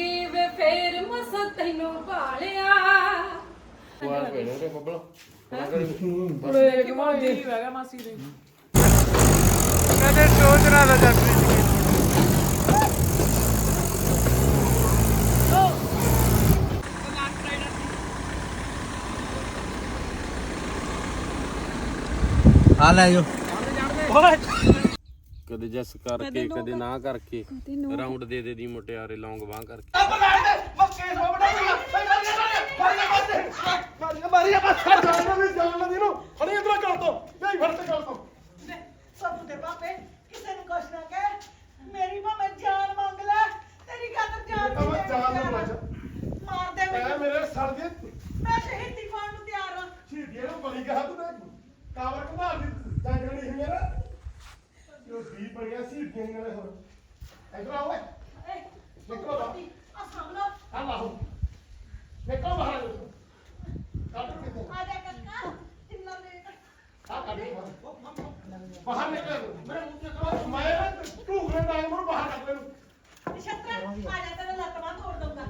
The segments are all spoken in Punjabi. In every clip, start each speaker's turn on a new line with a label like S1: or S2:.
S1: ਵੇ ਫੇਰ ਮਸ ਤੈਨੂੰ ਭਾਲਿਆ
S2: ਵਾਹ ਵੇਲੇ ਰੇ ਬੱਬਲ
S3: ਬੜੇ ਕਿ ਮਾਜੀ ਹੈਗਾ ਮਾਸੀ ਦੇ
S4: ਕਦੇ ਸੋਚ ਰਹਾ था जब आ ले जो
S2: ਕਦੇ ਜਸ ਕਰਕੇ ਕਦੇ ਨਾ ਕਰਕੇ ਰਾਉਂਡ ਦੇ ਦੇ ਦੀ ਮੁਟਿਆਰੇ ਲੌਂਗ ਬਾਹ ਕਰਕੇ
S5: ਕਿਸੇ ਨੂੰ ਕੁਛ ਨਾ ਕਹਿ ਮੇਰੀ ਭਾਵੇਂ ਜਾਨ ਮੰਗ ਲੈ ਤੇਰੀ ਖਾਤਰ ਜਾਨ ਮਾਰ ਦੇ ਮੈਨੂੰ
S6: ਮੇਰੇ ਸਰ ਦੇ
S5: ਮੈਂ ਸ਼ਹੀਦੀ ਪਾਉਣ ਨੂੰ ਤਿਆਰ ਹਾਂ
S6: ਸ਼ਹੀਦੀਆਂ ਨੂੰ ਬਲੀ ਕਹਾ ਤੂੰ ਕਾਵਰ ਘੁਮਾ ਦੀ ਜੰਗਲ ਨਹੀਂ ਮੇਰਾ ਜੋ ਦੀ ਬੜੀਆਂ ਸ਼ਹੀਦੀਆਂ ਨਾਲੇ ਹੋਰ ਇਧਰ ਆਓ ਓਏ ਨਿਕਲੋ
S5: ਆ ਸਾਹਮਣੇ
S6: ਆ ਲਾਓ ਨਿਕਲੋ ਬਾਹਰ ਕੱਢ ਕਿੱਥੇ
S5: ਆ ਜਾ ਕੱਕਾ ਕਿੰਨਾ ਲੇਟ
S6: ਆ ਕੱਢ ਬਾਹਰ ਨਿਕਲ ਮੇਰੇ ਮੂੰਹ ਤੇ ਕਰੋ ਮੈਂ ਢੂਕਰੇ ਦਾ ਮੂੰਹ ਬਾਹਰ ਕੱਢ ਲੈ
S5: ਨਛੱਤਰ ਆ ਜਾ ਤੇਰੇ ਲੱਤ ਬਾਂਹ ਤੋੜ ਦਊਂਗਾ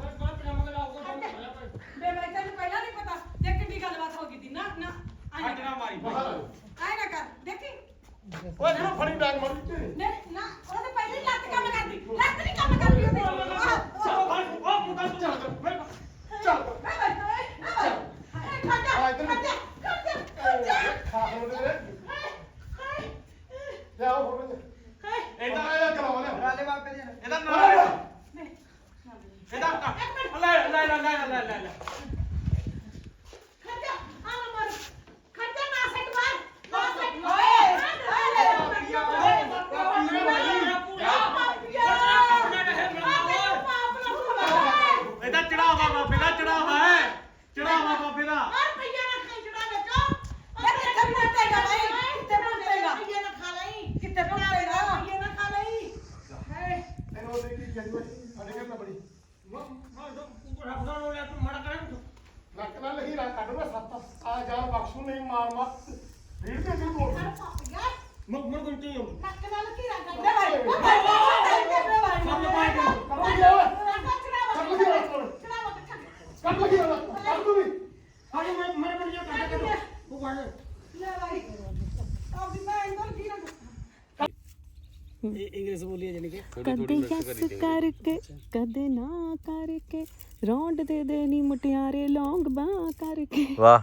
S1: ਬੇ ਮੈਂ ਤੈਨੂੰ ਪਹਿਲਾਂ ਨਹੀਂ ਪਤਾ ਦੇਖ ਕਿੰਨੀ ਗੱਲਬਾਤ ਹੋ ਗਈ ਸੀ ਨਾ ਨਾ
S6: ਬਾਹਰ
S1: ਆਏ ਨਾ ਕਰ ਦੇਖੀ
S6: ਓਏ ਜਿਹੜਾ ਫੜੀ ਡਾਂਗ ਮਾਰੀ ਤੇ
S1: ਨੇ ਨਾ ਉਹਦੇ ਪਹਿਲਾਂ ਹੀ ਲੱਤ ਕੰਮ ਕਰਦੀ ਲੱਤ ਨਹੀਂ ਕੰਮ ਕਰਦੀ ਉਹਦੀ
S6: ਚੱਲ
S5: ਖਾ
S6: ਖਾ ਹੋ ਦੇ ਲਿਆਓ ਹੋਰ ਇਹਦਾ ਇਹ ਕਰਾਓ ਲਿਆਓ
S4: राले बापे दे
S6: ਇਹਦਾ ਨਾਲ
S5: ਖੱਜਾ ਆ ਮਰ ਖੱਜਾ ਨਾ ਸੱਟ ਮਾਰ ਨਾ ਸੱਟ
S4: ਇਹਦਾ ਚੜਾਵਾ ਬਾਪੇ ਦਾ ਚੜਾਵਾ ਹੈ ਚੜਾਵਾ ਬਾਪੇ ਦਾ
S5: ਰੁਪਈਆ ਨਾ ਖਾਈ ਚੜਾ ਵਿੱਚੋਂ
S1: ਕਿੱਥੇ ਪਹੁੰਚੇਗਾ ਭਾਈ ਕਿੱਥੇ ਪਹੁੰਚੇਗਾ
S5: ਰੁਪਈਆ ਨਾ ਖਾ ਲਈ
S1: ਕਿੱਥੇ ਪਹੁੰਚੇਗਾ
S5: ਰੁਪਈਆ ਨਾ ਖਾ ਲਈ
S6: ਇਹਨੂੰ ਦੇ ਕੀ ਕਹਿੰਦੇ ਸਾਡੇ ਘਰ ਨਾ ਬੜੀ ਨੱਕ ਨਾਲ ਲਹੀ ਰਾ ਕੱਢ ਮੈਂ ਸੱਤ ਆ ਜਾ ਬਖਸ਼ੂ ਨਹੀਂ ਮਾਰ ਮਾਰ ਰੀੜ ਤੇ ਵੀ ਤੋੜ
S5: ਪਾਪੀਆ
S4: ਮਰ ਗੁੰਟੀ
S5: ਨੱਕ ਨਾਲ ਘੀਰਾ ਕਰ
S1: ਲੈ ਭਾਈ
S6: ਕੱਢ ਲਗੀ ਨਾ ਕੱਢ ਤੂੰ ਵੀ
S4: ਹਾਏ ਮੈਂ ਬਣ ਜਾ ਕਰ ਉਹ ਵੜ
S5: ਲੈ ਭਾਈ ਆਪਦੀ ਮੈਂ ਇੰਦਰ ਕੀ ਨਾ
S3: ਇੰਗਲਿਸ਼ ਬੋਲੀ ਜਾਨੀ ਕਿ
S7: ਕਦੇ ਯਸ ਕਰਕੇ ਕਦੇ ਨਾ ਕਰਕੇ ਰੌਂਡ ਦੇ ਦੇ ਨੀ ਮੁਟਿਆਰੇ ਲੌਂਗ ਬਾਹ ਕਰਕੇ
S4: ਵਾਹ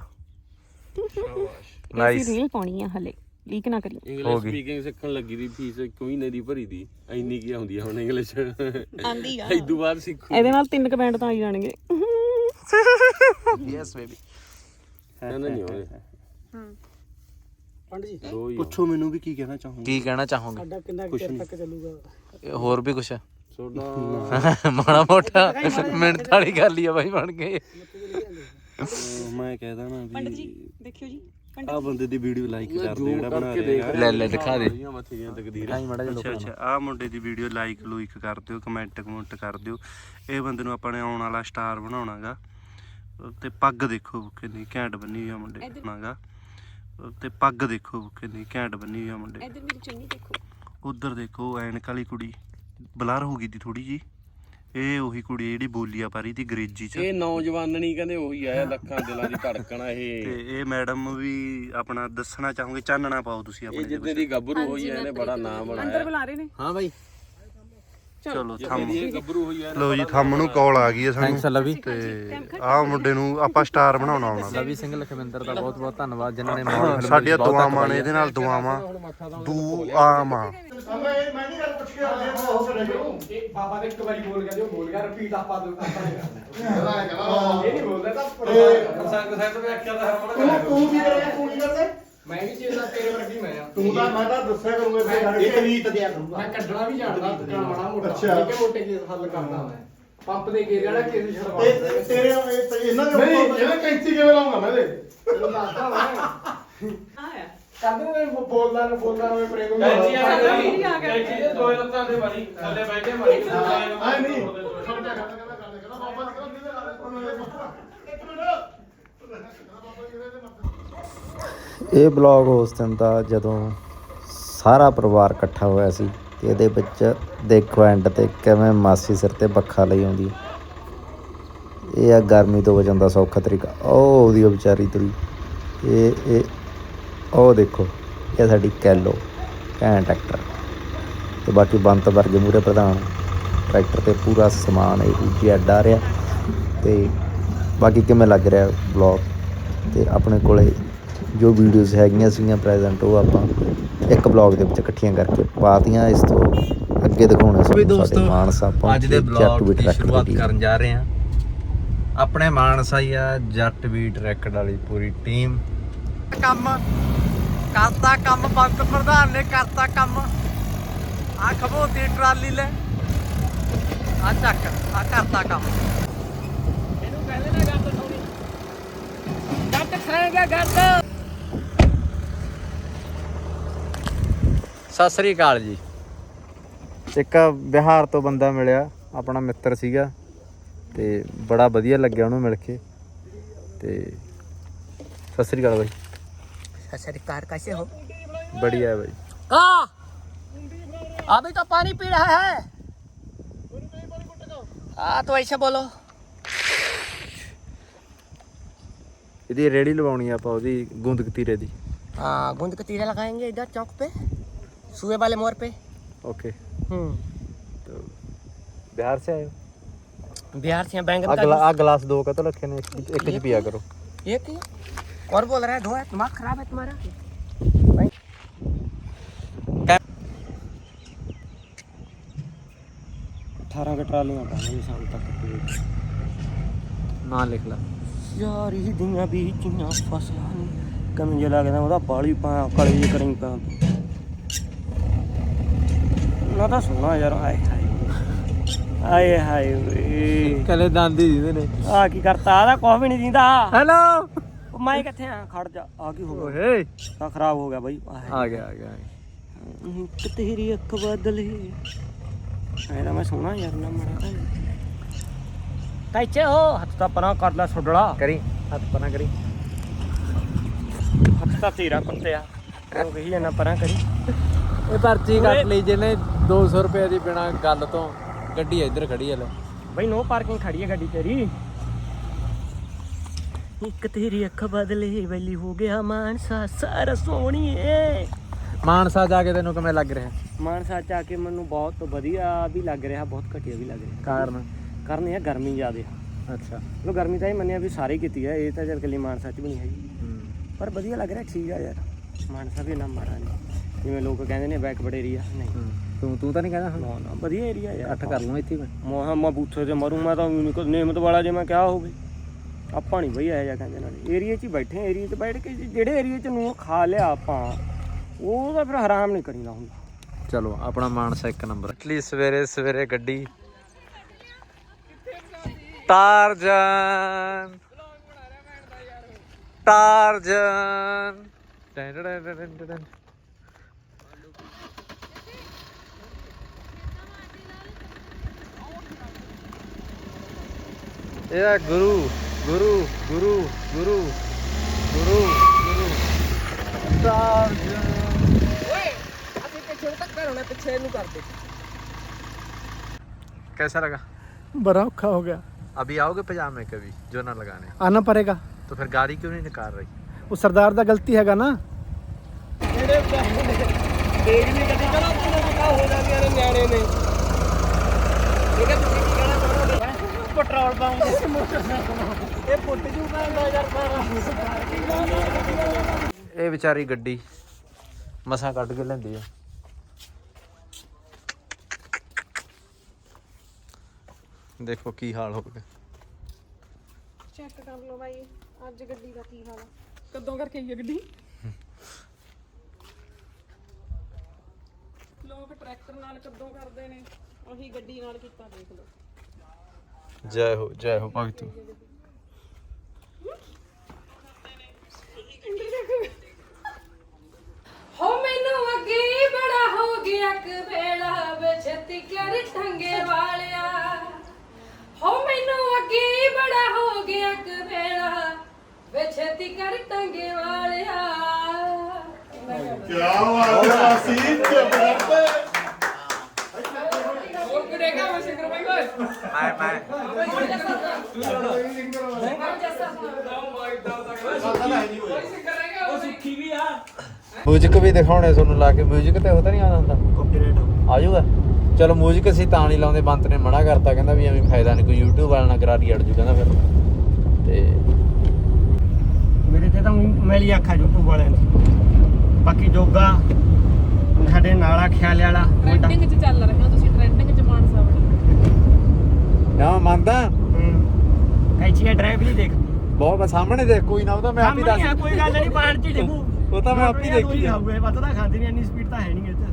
S7: ਨਾਈਸ ਰੀਲ ਪਾਉਣੀ ਆ ਹਲੇ ਲੀਕ ਨਾ ਕਰੀ
S2: ਇੰਗਲਿਸ਼ ਸਪੀਕਿੰਗ ਸਿੱਖਣ ਲੱਗੀ ਦੀ ਫੀਸ ਇੱਕ ਮਹੀਨੇ ਦੀ ਭਰੀ ਦੀ ਇੰਨੀ ਕੀ ਹੁੰਦੀ ਆ ਹੁਣ ਇੰਗਲਿਸ਼
S7: ਆਂਦੀ ਆ
S2: ਇਦੋਂ ਬਾਅਦ ਸਿੱਖੂ
S7: ਇਹਦੇ ਨਾਲ 3 ਕਮੈਂਟ ਤਾਂ ਆ ਹੀ ਜਾਣਗੇ
S4: ਯੈਸ ਬੇਬੀ
S2: ਨਾ ਨਹੀਂ ਹੋਏ
S3: ਪੰਡ ਜੀ
S2: ਦੋ ਹੀ
S4: ਪੁੱਛੋ ਮੈਨੂੰ ਵੀ ਕੀ ਕਹਿਣਾ ਚਾਹੂੰਗਾ ਕੀ ਕਹਿਣਾ ਚਾਹੂੰਗਾ
S3: ਸਾਡਾ ਕਿੰਨਾ ਚਿਰ ਤੱਕ ਚੱਲੂਗਾ
S4: ਹੋਰ ਵੀ ਕੁਛ
S2: ਸੋਡਾ
S4: ਮਾੜਾ ਮੋਟਾ ਮਿੰਟ ਵਾਲੀ ਗੱਲ ਹੀ ਆ ਬਾਈ ਬਣ ਗਏ ਮੈਂ ਕਹਿਦਾ ਨਾ
S7: ਪੰਡਤ
S4: ਵੀ
S7: ਜੀ ਦੇਖਿਓ ਜੀ
S4: ਆ ਬੰਦੇ ਦੀ ਵੀਡੀਓ ਲਾਈਕ ਕਰ ਦੇ ਜਿਹੜਾ ਬਣਾ
S2: ਕਰਕੇ ਦੇਖ
S4: ਰਿਹਾ ਲੈ ਦਿਖਾ ਦੇ
S2: ਮੱਥੀਆਂ ਤਕਦੀਰ
S4: ਅੱਛਾ ਅੱਛਾ ਆ ਮੁੰਡੇ ਦੀ ਵੀਡੀਓ ਲਾਈਕ ਲੂਇਕ ਕਰ ਦਿਓ ਕਮੈਂਟ ਕਰ ਦਿਓ ਇਹ ਬੰਦੇ ਨੂੰ ਆਪਾਂ ਨੇ ਆਉਣ ਵਾਲਾ ਸਟਾਰ ਬਣਾਉਣਾਗਾ ਤੇ ਪੱਗ ਦੇਖੋ ਕਿੰਨੀ ਘੈਂਟ ਬੰਨੀ ਹੋਈ ਆ ਮੁੰਡੇ ਬਣਾਗਾ ਤੇ ਪੱਗ ਦੇਖੋ ਕਿੰਨੀ ਘੈਂਟ ਬੰਨੀ ਹੋਈ ਆ ਮੁੰਡੇ
S7: ਇਧਰ ਮੇਰੀ ਚੁੰਨੀ ਦੇਖੋ
S4: ਉਧਰ ਦੇਖੋ ਐਨਕ ਵਾਲੀ ਕੁੜੀ ਬਲਰ ਹੋ ਗਈ ਦੀ ਥੋੜੀ ਜੀ ਇਹ ਉਹੀ ਕੁੜੀ ਜਿਹੜੀ ਬੋਲੀਆ ਪਾਰੀ ਦੀ ਅੰਗਰੇਜ਼ੀ ਚ
S2: ਇਹ ਨੌਜਵਾਨ ਨਹੀਂ ਕਹਿੰਦੇ ਉਹੀ ਆ ਲੱਖਾਂ ਦਿਲਾਂ ਦੀ ਧੜਕਣ ਆ ਇਹ
S4: ਤੇ ਇਹ ਮੈਡਮ ਵੀ ਆਪਣਾ ਦੱਸਣਾ ਚਾਹੋਗੇ ਚਾਨਣਾ ਪਾਓ ਤੁਸੀਂ
S2: ਇਹ
S4: ਆਪਣੇ
S2: ਜਿੱਦੇ ਦੀ ਗੱਭਰੂ ਹੋਈ ਆ ਇਹਨੇ ਬੜਾ ਨਾਮ
S7: ਅੰਦਰ
S2: ਬਣਾਇਆ
S7: ਬੁਲਾ ਰਹੇ ਨੇ
S2: ਹਾਂ ਬਾਈ
S4: ਚਲੋ
S2: ਇਹ ਗੱਭਰੂ ਹੋਈ ਆ
S4: ਲੋ ਜੀ ਥੰਮ ਨੂੰ ਕਾਲ ਆ ਗਈ ਹੈ ਸਾਨੂੰ
S8: ਲਵੀ
S4: ਤੇ ਆਹ ਮੁੰਡੇ ਨੂੰ ਆਪਾਂ ਸਟਾਰ ਬਣਾਉਣਾ ਆਉਣਾ
S8: ਲਵੀ ਸਿੰਘ ਲਖਵਿੰਦਰ ਦਾ ਬਹੁਤ ਬਹੁਤ ਧੰਨਵਾਦ ਜਿਨ੍ਹਾਂ ਨੇ
S4: ਸਾਡੀਆਂ ਦੁਆਵਾਂ ਨੇ ਇਹਦੇ ਨਾਲ ਦੁਆਵਾਂ ਦੁਆਵਾਂ
S6: ਮੈਂ ਨਹੀਂ ਗੱਲ ਪੁੱਛ ਕੇ ਆ ਗਿਆ ਉਹ ਕਰੇ ਕਿਉਂ
S3: ਇਹ ਬਾਬਾ ਨੇ ਇੱਕ ਵਾਰੀ ਬੋਲ ਗਿਆ ਜੋ ਬੋਲ ਗਿਆ ਰਿਪੀਟ ਆਪਾਂ ਨਹੀਂ ਕਰਨਾ
S6: ਕਹਦਾ
S3: ਇਹ ਨਹੀਂ ਬੋਲਦਾ ਤਾਂ ਸੰਗ ਸਾਹਿਬ ਨੇ ਆਖਿਆ ਤਾਂ ਹਰਮਨ
S6: ਤੂੰ ਕੀ ਕਰਿਆ ਤੂੰ ਕੀ ਕਰਦੇ
S3: ਮੈਂ ਵੀ ਚੀਜ਼ ਦਾ ਤੇਰੇ ਵਰਗੀ ਮੈਂ ਆ
S6: ਤੂੰ ਤਾਂ ਮੈਂ ਤਾਂ ਦੱਸਿਆ ਕਰੂੰਗਾ ਇੱਥੇ ਖੜ ਕੇ ਰੀਤ ਦਿਆ ਕਰੂੰਗਾ
S3: ਮੈਂ ਕੱਢਣਾ ਵੀ ਜਾਣਦਾ ਮਾੜਾ ਮੋਟਾ
S6: ਅੱਛਾ।
S3: ਨਿੱਕੇ ਮੋਟੇ ਕੇਸ ਹੱਲ ਕਰਦਾ ਮੈਂ ਪੰਪ ਦੇ ਘੇਰੇ ਵਾਲਾ ਕੇਸ ਛੜਵਾ
S6: ਇਹ ਤੇਰੇ ਇਹਨਾਂ ਦੇ ਨਹੀਂ ਇਹਨੇ ਕੈਂਚੀ ਕਿਵੇਂ ਲਾਉਂਗਾ ਮੈਂ ਇਹਦੇ
S3: ਤੈਨੂੰ ਦੱਸਦਾ ਮੈਂ
S1: ਆਇਆ
S3: ਕਰਦੇ ਨੇ ਬੋਲਦਾ ਨੂੰ ਪ੍ਰੇਮ ਨੂੰ
S1: ਕੈਂਚੀ
S3: ਦੇ ਦੋ ਲੱਤਾਂ ਦੇ ਮਾਰੀ ਥੱਲੇ ਬਹਿ ਕੇ ਮਾਰੀ
S6: ਆਏ ਨਹੀਂ ਛੋਟਾ ਕਹਿੰਦਾ ਬਾਬਾ ਜੀ ਕਹਿੰਦਾ ਇੱਕ ਮਿੰਟ
S8: ਇਹ ਬਲੌਗ ਉਸ ਦਿਨ ਦਾ ਜਦੋਂ ਸਾਰਾ ਪਰਿਵਾਰ ਇਕੱਠਾ ਹੋਇਆ ਸੀ ਤੇ ਇਹਦੇ ਵਿੱਚ ਦੇਖੋ ਐਂਡ ਤੇ ਕਿਵੇਂ ਮਾਸੀ ਸਿਰ ਤੇ ਬੱਖਾ ਲਈ ਆਉਂਦੀ ਇਹ ਆ ਗਰਮੀ ਤੋਂ ਬਚਣ ਦਾ ਸੌਖਾ ਤਰੀਕਾ। ਉਹ ਉਹਦੀ ਵਿਚਾਰੀ ਤੁਰੀ ਇਹ ਉਹ ਦੇਖੋ, ਇਹ ਸਾਡੀ ਕੈਲੋ ਘੈਂਟ ਟਰੈਕਟਰ। ਤੇ ਬਾਕੀ ਬੰਤ ਵਰਗੇ ਮੂਹਰੇ ਪ੍ਰਧਾਨ ਟਰੈਕਟਰ 'ਤੇ ਪੂਰਾ ਸਮਾਨ ਇਹ ਅੱਡਾ ਰਿਹਾ। ਤੇ ਬਾਕੀ ਕਿਵੇਂ ਲੱਗ ਰਿਹਾ ਬਲੌਗ, ਤੇ ਆਪਣੇ ਕੋਲੇ ਜੋ ਵੀਡੀਓਜ਼ ਹੈਗੀਆਂ ਸੀਗੀਆਂ ਪ੍ਰੈਜ਼ੈਂਟ, ਉਹ ਆਪਾਂ ਇੱਕ ਬਲੌਗ ਦੇ ਵਿੱਚ ਇਕੱਠੀਆਂ ਕਰਕੇ ਪਾਤੀਆਂ। ਇਸ ਤੋਂ ਅੱਗੇ ਦਿਖਾਉਣੇ ਸਾਡੇ ਮਾਨਸਾ
S9: ਅੱਜ ਦੇ ਬਲੌਗ ਦੀ ਸ਼ੁਰੂਆਤ ਕਰਨ ਜਾ ਰਹੇ ਹਾਂ। ਆਪਣੇ ਮਾਨਸਾ ਹੀ ਆ ਜੱਟ ਬੀਟ ਰੈਕਡ ਵਾਲੀ ਪੂਰੀ ਟੀਮ।
S3: ਕੰਮ ਕਰਤਾ, ਕੰਮ ਬੰਤ ਪ੍ਰਧਾਨ ਨੇ ਕਰਤਾ ਕੰਮ। ਆ ਖਬੋਤੀ ਟਰਾਲੀ ਲੈ ਆ ਚੱਕ, ਆ ਕਰਤਾ ਕੰਮ। ਇਹਨੂੰ ਕਹਿੰਦੇ ਨਾ ਗੱਤ ਥੋੜੀ ਗੱਤ ਖਾਏਗਾ ਗੱਤ।
S9: ਸਤਿ ਸ੍ਰੀ ਅਕਾਲ ਜੀ।
S8: ਇੱਕ ਬਿਹਾਰ ਤੋਂ ਬੰਦਾ ਮਿਲਿਆ, ਆਪਣਾ ਮਿੱਤਰ ਸੀਗਾ, ਤੇ ਬੜਾ ਵਧੀਆ ਲੱਗਿਆ ਉਹਨੂੰ ਮਿਲ ਕੇ। ਤੇ ਸਤਿ ਸ੍ਰੀ ਅਕਾਲ ਬਾਈ।
S3: सत श्री अकाल, कैसे हो?
S8: बढ़िया है भाई।
S3: का अभी तो पानी पी रहा है। हाँ तो ऐसे बोलो।
S8: ਇਹਦੀ ਰੇੜੀ ਲਵਾਉਣੀ ਆਪਾਂ ਉਹਦੀ ਗੂੰਦ ਕਤੀਰੇ ਦੀ।
S3: हाँ गूंद के तीरे लगाएंगे इधर चौक पे, सुए वाले मोड़ पे।
S8: ओके। तो बिहार से आए हो?
S3: बिहार से बैंगन का
S8: आ गिलास दो का तो रखे ने, एक च पिया करो।
S3: एक ही और बोल रहा है धोया, दिमाग खराब है तुम्हारा। 18 का ट्राली में शाम तक
S8: ना लिख ला
S3: यार। ये दुनिया भी चुना फसा कम जे लगदा ਉਹਦਾ ਬਾਲੀ ਪਾ ਕਲੀ ਜੀ ਕਰੀ ਪਾ ਨਾ ਤਾਂ ਸੁਣਾ ਯਾਰ। ਆਏ ਹਾਏ ਹਾਏ ਵੇ
S8: ਕਲੇ ਦੰਦੀ ਦਿੰਦੇ ਨੇ।
S3: ਆ ਕੀ ਕਰਤਾ? ਆਦਾ ਕੁਝ ਵੀ ਨਹੀਂ ਦਿੰਦਾ।
S8: ਹੈਲੋ
S3: ਮੈਂ ਕਿੱਥੇ ਆ? ਖੜ ਜਾ। ਆ ਕੀ ਹੋ ਗਿਆ?
S8: ਓਏ
S3: ਤਾਂ ਖਰਾਬ ਹੋ ਗਿਆ ਬਾਈ।
S8: ਆ ਗਿਆ
S3: ਕਿ ਤੇਰੀ ਅੱਖ ਬਦਲੇ ਐਦਾ ਮੈਂ ਸੋਹਣਾ ਯਾਰ ਨਾ ਮਰਾ ਟਾਈਚੇ ਹੋ। ਹੱਥ ਤਾਂ ਪਰਾਂ ਕਰ ਲੈ ਛੋੜਲਾ।
S8: ਕਰੀ ਹੱਥ ਪਰਾਂ ਕਰੀ।
S3: ਹੱਥ ਤਾਂ ਤੇਰਾ ਕੁੱਤਿਆ ਉਹ ਕਹੀ ਜਾਂਦਾ ਪਰਾਂ ਕਰੀ।
S8: ਇਹ ਪਰਚੀ ਕੱਟ ਲਈ ਜਿਹਨੇ 200 ਰੁਪਏ ਦੀ ਬਿਨਾ ਗੱਲ ਤੋਂ। ਗੱਡੀ ਇੱਧਰ ਖੜੀ ਹੈ ਲੈ
S3: ਬਈ, ਨੋ ਪਾਰਕਿੰਗ ਖੜੀ ਹੈ ਗੱਡੀ ਤੇਰੀ। ਇੱਕ ਤੇਰੀ ਅੱਖ ਬਦਲੇ ਵੈਲੀ ਹੋ ਗਿਆ ਮਾਨਸਾ ਸਾਰਾ ਸੋਹਣੀਏ।
S8: ਮਾਨਸਾ ਜਾ ਕੇ ਤੈਨੂੰ ਕਿਵੇਂ ਲੱਗ ਰਿਹਾ?
S3: ਮਾਨਸਾ ਚ ਆ ਕੇ ਮੈਨੂੰ ਬਹੁਤ ਵਧੀਆ ਵੀ ਲੱਗ ਰਿਹਾ, ਬਹੁਤ ਘਟੀਆ ਵੀ ਲੱਗ ਰਿਹਾ। ਕਾਰਨ ਇਹ ਗਰਮੀ ਜ਼ਿਆਦਾ ਆ।
S8: ਅੱਛਾ।
S3: ਚਲੋ ਗਰਮੀ ਤਾਂ ਇਹ ਮੰਨਿਆ ਵੀ ਸਾਰੇ ਕੀਤੀ ਹੈ, ਇਹ ਤਾਂ ਚੱਲ ਇਕੱਲੀ ਮਾਨਸਾ ਚ ਵੀ ਨਹੀਂ ਹੈਗੀ, ਪਰ ਵਧੀਆ ਲੱਗ ਰਿਹਾ। ਠੀਕ ਆ ਯਾਰ, ਮਾਨਸਾ ਵੀ ਨਾ ਮਾੜਾ ਨਹੀਂ ਜਿਵੇਂ ਲੋਕ ਕਹਿੰਦੇ ਨੇ ਬੈਕਵਰਡ ਏਰੀਆ। ਨਹੀਂ
S8: ਤੂੰ ਤਾਂ ਨਹੀਂ ਕਹਿੰਦਾ?
S3: ਨਾ ਨਾ ਵਧੀਆ ਏਰੀਆ ਯਾਰ।
S8: ਅੱਠ ਕਰ ਲਵਾਂ ਇੱਥੇ
S3: ਮੈਂ ਬੂਥੇ ਤੇ ਮਰੂ। ਮੈਂ ਤਾਂ ਨਿਯਮਤ ਵਾਲਾ ਜੇ ਮੈਂ ਕਿਹਾ ਹੋਵੇ ਆਪਾਂ ਨਹੀਂ ਬਈ ਇਹੋ ਜਿਹਾ ਕਹਿੰਦੇ ਨਾਲ। ਏਰੀਏ 'ਚ ਹੀ ਬੈਠੇ, ਏਰੀਏ 'ਚ ਬੈਠ ਕੇ ਜਿਹੜੇ ਏਰੀਏ 'ਚ ਨੂੰ ਖਾ ਲਿਆ ਆਪਾਂ, ਉਹ ਤਾਂ ਫਿਰ ਹਰਾਮ ਨਹੀਂ ਕਰੀਦਾ ਹੁੰਦਾ।
S8: ਚਲੋ ਆਪਣਾ ਮਾਨਸਾ ਇੱਕ ਨੰਬਰ। ਇਟਲੀ ਸਵੇਰੇ ਸਵੇਰੇ ਗੱਡੀ ਟਾਰਜਨ ਟਾਰਜਨ। ਇਹ ਗੁਰੂ ਗੁਰੂ ਗੁਰੂ ਗੁਰੂ ਗੁਰੂ ਗੁਰੂ ਟਾਰਜਨ। कैसा लगा?
S6: बड़ा औखा हो गया।
S8: अभी आओगे पजामे कभी जो ना लगाने?
S6: आना पड़ेगा।
S8: तो फिर गाड़ी क्यों नहीं निकाल रही?
S6: वो सरदार दा गलती हैगा ना।
S3: ਪੈਟਰੋਲ ਪੰਪ ਦੇ ਮੋਟਰਸਾਈਕਲ ਇਹ ਪੁੱਟ ਜੂ ਪੈਂਦਾ ਯਾਰ ਸਾਰਾ।
S8: ਇਹ ਵਿਚਾਰੀ ਗੱਡੀ ਮਸਾਂ ਕੱਢ ਕੇ ਲੈਂਦੀ ਆ। ਦੇਖੋ ਕੀ ਹਾਲ ਹੋ ਗਿਆ।
S7: ਚੈੱਕ ਕਰ ਲਓ ਬਾਈ ਅੱਜ ਗੱਡੀ ਦਾ ਕੀ ਹਾਲ ਆ। ਕਦੋਂ ਕਰਕੇ ਆਈ ਹੈ ਗੱਡੀ? ਲੋਕ ਟਰੈਕਟਰ ਨਾਲ ਕਦੋਂ ਕਰਦੇ ਨੇ, ਉਹੀ ਗੱਡੀ ਨਾਲ ਕੀਤਾ। ਦੇਖ ਲਓ।
S8: ਜੈ ਹੋ ਭਗਤੂ।
S1: ਹੋ ਮੈਨੂੰ ਅੱਗੇ ਬੜਾ ਹੋ ਗਿਆ ਕਵੇਲਾ ਬਛਤੀ ਕਰ ਠੰਗੇ ਵਾਲਿਆ। ਹੋ ਮੈਨੂੰ ਅੱਗੇ ਬੜਾ ਹੋ ਗਿਆ ਕਵੇਲਾ ਬਛਤੀ ਕਰ ਠੰਗੇ ਵਾਲਿਆ।
S6: क्या बात है आसिफ, जबरदस्त।
S9: ਮਿਊਜ਼ਿਕ ਵੀ ਦਿਖਾਉਣੇ ਤੁਹਾਨੂੰ ਲਾ ਕੇ ਮਿਊਜ਼ਿਕ ਤੇ ਉਹ ਤਾਂ ਨਹੀਂ ਆਉਂਦਾ ਹੁੰਦਾ ਕਾਪੀਰਾਈਟ ਆ ਜਾਊਗਾ ਚਲੋ ਮਿਊਜ਼ਿਕ ਅਸੀਂ ਤਾਂ ਨਹੀਂ ਲਾਉਂਦੇ ਬੰਤ ਨੇ ਮਨਾ ਕਰਤਾ ਕਹਿੰਦਾ ਵੀ ਐਵੇਂ ਫਾਇਦਾ ਨਹੀਂ ਕੋਈ YouTube ਵਾਲਾ ਨਾ ਕਰਾਰੀ ਅੜ ਜੂ ਕਹਿੰਦਾ ਫਿਰ ਤੇ
S3: ਮੇਰੇ ਤੇ ਤਾਂ ਮੈਲੀ ਅੱਖਾਂ YouTube ਵਾਲਿਆਂ ਦੀ ਬਾਕੀ ਜੋਗਾ ਸਾਡੇ ਨਾਲਾ ਖਿਆਲੇ ਵਾਲਾ
S1: ਟ੍ਰੈਂਡਿੰਗ 'ਚ ਚੱਲ ਰਹੇ ਹੋ ਤੁਸੀਂ ਟ੍ਰੈਂਡਿੰਗ 'ਚ ਮਾਨਸਾ ਵਾਲੇ
S9: ਨਾ ਮੰਨਦਾ
S3: ਕੈਚੀਆ ਡਰਾਈਵ ਨਹੀਂ ਦੇਖ
S9: ਬਹੁਤ ਸਾਹਮਣੇ ਦੇਖ ਕੋਈ ਨਾ ਉਹ ਤਾਂ ਮੈਂ ਆਪ ਹੀ ਦੱਸ
S3: ਕੋਈ ਗੱਲ ਨਹੀਂ ਬਾਹਰ ਚ ਡਿੱਗੂ
S9: ਉਹ ਤਾਂ ਮੈਂ ਆਪ ਹੀ ਦੇਖੀ
S3: ਖਾਊਗਾ ਪਤਾ ਤਾਂ ਖਾਂਦੀ ਨਹੀਂ ਇੰਨੀ ਸਪੀਡ ਤਾਂ ਹੈ ਨਹੀਂ ਇੱਥੇ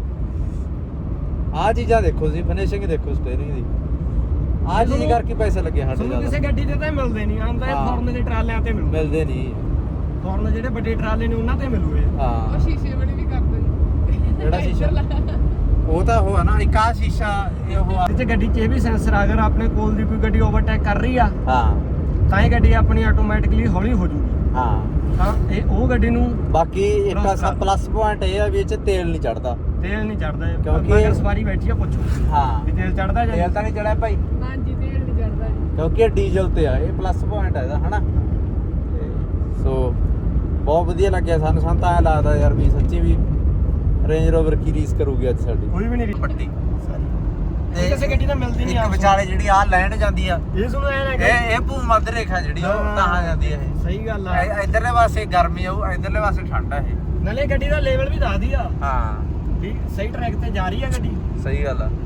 S9: ਆਹ ਚੀਜ਼ਾਂ ਦੇਖੋ ਜੀ ਫਿਨਿਸ਼ਿੰਗ ਦੇਖੋ ਸਟੀਅਰਿੰਗ ਦੀ ਆਹ ਚੀਜ਼ ਕਰਕੇ ਪੈਸੇ ਲੱਗੇ ਸਾਡੇ
S3: ਤੁਹਾਨੂੰ ਕਿਸੇ ਗੱਡੀ ਤੇ ਤਾਂ ਮਿਲਦੇ ਨਹੀਂ ਆਂਦਾ ਇਹ ਫੋਰਨ ਦੇ ਟਰਾਲਿਆਂ ਤੇ
S9: ਮਿਲਦੇ ਨਹੀਂ
S3: ਫੋਰਨ ਜਿਹੜੇ ਵੱਡੇ ਟਰਾਲੇ ਨੇ ਉਹਨਾਂ ਤੇ ਮਿਲੂਏ
S9: ਹਾਂ
S1: ਸ਼ੀਸ਼ੇ ਬਣੇ ਵੀ ਕਰਦੇ ਨੇ
S9: ਜਿਹੜਾ ਸ਼ੀਸ਼ਾ ਉਹ ਤਾਂ ਉਹ ਆ ਨਾ ਇੱਕ ਆਹ ਸ਼ੀਸ਼ਾ ਇਹ ਉਹ ਆ
S3: ਇਹਦੇ ਗੱਡੀ 'ਚ ਇਹ ਵੀ ਸੈਂਸਰ ਅਗਰ ਆਪਣੇ ਕੋਲ ਦੀ ਕੋਈ ਗੱਡੀ ਓਵਰਟੇਕ ਕਰ ਰਹੀ ਆ
S9: ਹਾਂ
S3: ਤਾਂ ਇਹ ਗੱਡੀ ਆਪਣੀ ਆਟੋਮੈਟਿਕਲੀ ਹੌਲੀ ਹੋ ਜੂਗੀ
S9: ਹਾਂ
S3: ਤਾਂ ਇਹ ਉਹ ਗੱਡੀ ਨੂੰ
S9: ਬਾਕੀ ਇੱਕ ਪਲੱਸ ਪੁਆਇੰਟ ਇਹ ਆ ਵੀ ਇਹ ਚ ਤੇਲ ਨਹੀਂ ਚੜਦਾ
S3: ਤੇਲ ਨਹੀਂ ਚੜਦਾ
S9: ਕਿਉਂਕਿ
S3: ਅਗਰ ਸਵਾਰੀ ਬੈਠੀ ਆ ਪੁੱਛੋ
S9: ਹਾਂ
S3: ਵੀ ਤੇਲ ਚੜਦਾ ਜਾਂ
S9: ਤੇਲ ਤਾਂ ਨਹੀਂ ਚੜਿਆ ਭਾਈ
S1: ਹਾਂਜੀ ਤੇਲ ਨਹੀਂ ਚੜਦਾ ਜੀ
S9: ਕਿਉਂਕਿ ਇਹ ਡੀਜ਼ਲ ਤੇ ਆ ਇਹ ਪਲੱਸ ਪੁਆਇੰਟ ਆ ਇਹਦਾ ਹਨਾ ਤੇ ਸੋ ਬਹੁਤ ਵਧੀਆ ਲੱਗਿਆ ਸਾਨੂੰ ਤਾਂ ਐਂ ਲੱਗਦਾ ਯਾਰ ਵੀ ਸੱਚੀ ਵੀ ਰੇਂਜ ਰੋਵਰ ਕੀ ਰੀਸ ਕਰੂਗੀ ਅੱਜ ਸਾਡੀ
S3: ਕੋਈ ਵੀ ਨਹੀਂ
S9: ਪੱਟੀ
S3: ਤੇ ਕਿਸੇ ਗੱਡੀ ਨਾਲ ਮਿਲਦੀ ਨਹੀਂ
S9: ਇੱਕ ਵਿਚਾਲੇ ਜਿਹੜੀ ਆ ਲੈਂਡ ਜਾਂਦੀ ਆ
S3: ਇਹ ਸੁਣੋ ਐ ਨਾ
S9: ਇਹ ਭੂ ਮੱਧ ਰੇਖਾ ਜਿਹੜੀ ਉਹ ਤਾਂ ਜਾਂਦੀ ਆ ਇਹ
S3: ਸਹੀ ਗੱਲ ਆ
S9: ਇਧਰਲੇ ਪਾਸੇ ਗਰਮੀ ਆਉ ਇਧਰਲੇ ਪਾਸੇ ਠੰਡ ਆ ਇਹ
S3: ਨਾਲੇ ਗੱਡੀ ਦਾ ਲੈਵਲ ਵੀ ਦੱਸਦੀ ਆ
S9: ਹਾਂ
S3: ਠੀਕ ਸਹੀ ਟਰੈਕ ਤੇ ਜਾ ਰਹੀ ਆ ਗੱਡੀ
S9: ਸਹੀ ਗੱਲ ਆ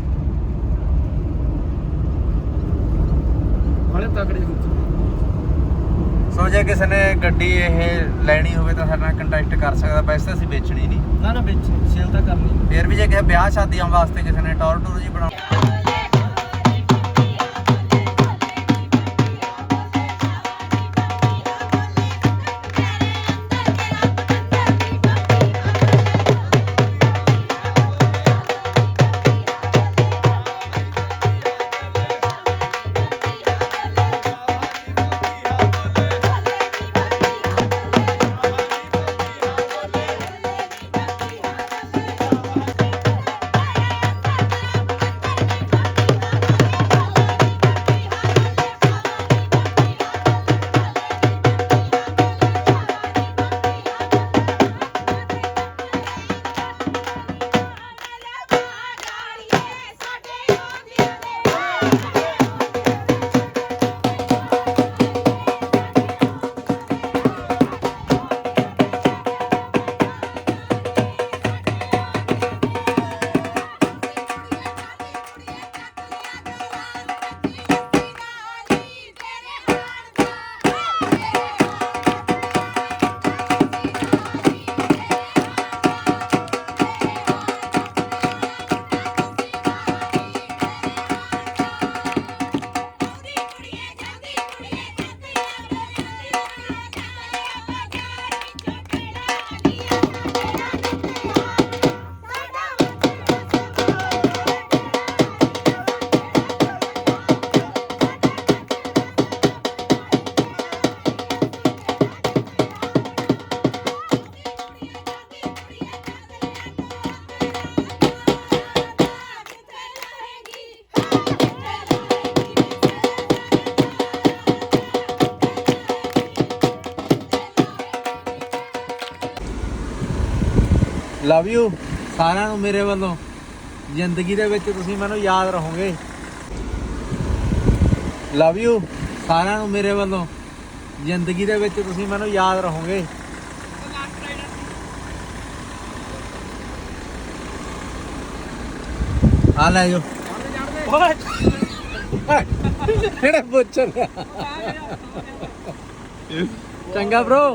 S3: ਬੜੇ ਤਕੜੇ
S9: ਸੋ ਜੇ ਕਿਸੇ ਨੇ ਗੱਡੀ ਇਹ ਲੈਣੀ ਹੋਵੇ ਤਾਂ ਸਾਡੇ ਨਾਲ ਕੰਟੈਕਟ ਕਰ ਸਕਦਾ ਵੈਸੇ ਤਾਂ ਅਸੀਂ ਵੇਚਣੀ ਨਹੀਂ
S3: ਨਾ ਨਾ ਵਿੱਚ ਸੇਲ ਤਾਂ ਕਰਨੀ
S9: ਫਿਰ ਵੀ ਜੇ ਕਿਸੇ ਵਿਆਹ ਸ਼ਾਦੀਆਂ ਵਾਸਤੇ ਕਿਸੇ ਨੇ ਟੌਰ ਟੂਰ ਜੀ ਬਣਾ ਲਵ ਯੂ ਸਾਰਿਆਂ ਨੂੰ ਮੇਰੇ ਵੱਲੋਂ ਜ਼ਿੰਦਗੀ ਦੇ ਵਿੱਚ ਤੁਸੀਂ ਮੈਨੂੰ ਯਾਦ ਰਹੋਗੇ ਲਵ ਯੂ ਸਾਰਿਆਂ ਨੂੰ ਮੇਰੇ ਵੱਲੋਂ ਜ਼ਿੰਦਗੀ ਦੇ ਵਿੱਚ ਤੁਸੀਂ ਮੈਨੂੰ ਯਾਦ ਰਹੋਗੇ ਆ ਲੈ ਜੋ ਕਿਹੜੇ ਪੁੱਛ ਰਿਹਾ ਚੰਗਾ bro